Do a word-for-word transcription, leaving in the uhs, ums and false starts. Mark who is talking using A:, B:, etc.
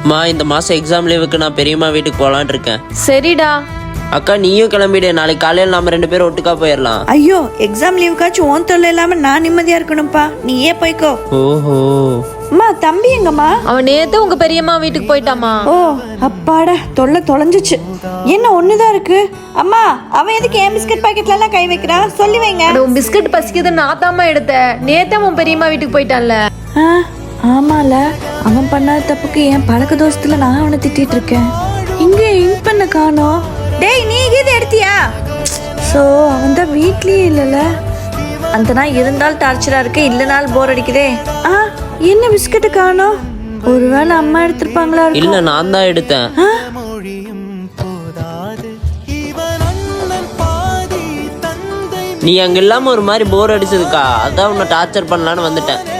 A: மா இந்த மாசம் எக்ஸாம் லீவுக்கு நான் பெரியம்மா வீட்டுக்கு போலான்னு இருக்கேன்.
B: சரிடா.
A: அக்கா நீயும் கிளம்பிடு, நாளைக்கு காலையில் நாம ரெண்டு பேரும் ஒட்டுக்கா போயிடலாம்.
C: ஐயோ எக்ஸாம் லீவுக்காச்சும் ஓன் தொல்லை இல்லாம நான் நிம்மதியா இருக்கணும்ப்பா. நீயே போய்க்கோ.
A: ஓஹோ.
C: அம்மா தம்பி எங்கம்மா?
B: அவன் நேத்து உங்க பெரியம்மா வீட்டுக்கு போயிட்டாமா.
C: ஓ அப்பாடா தொல்லை தொலைஞ்சிச்சு. என்ன ஒண்ணுதான் இருக்கு. அம்மா அவன் எதுக்கு என் பிஸ்கட் பாக்கெட்ல எல்லாம் கை வைக்கிறான்? சொல்லி வைங்க.
B: உன் பிஸ்கட் பசிக்குது நான் தாமா எடுத்தேன். நேத்தே உன் பெரியம்மா வீட்டுக்கு போயிட்டான்ல.
C: ஆமால அவன் பண்ணாத தப்புக்கு என் பழக்க தோசத்துல நான் அவனை திட்டிட்டு இருக்கேன். இங்க இங்க் பண்ண காணோம். டேய் நீ இது எடுத்தியா? ஸோ அவன் தான் வீட்லயே இல்லைல்ல. அந்த நாள் இருந்தால் டார்ச்சரா இருக்கு, இல்லைனாலும் போர் அடிக்குதே. ஆ என்ன பிஸ்கட்டு காணோம்? ஒருவேளை அம்மா எடுத்திருப்பாங்களா?
A: இல்ல நான் தான் எடுத்தேன். நீ அங்க இல்லாம ஒரு மாதிரி போர் அடிச்சதுக்கா, அதான் உன்னை டார்ச்சர் பண்ணலான்னு வந்துட்டேன்.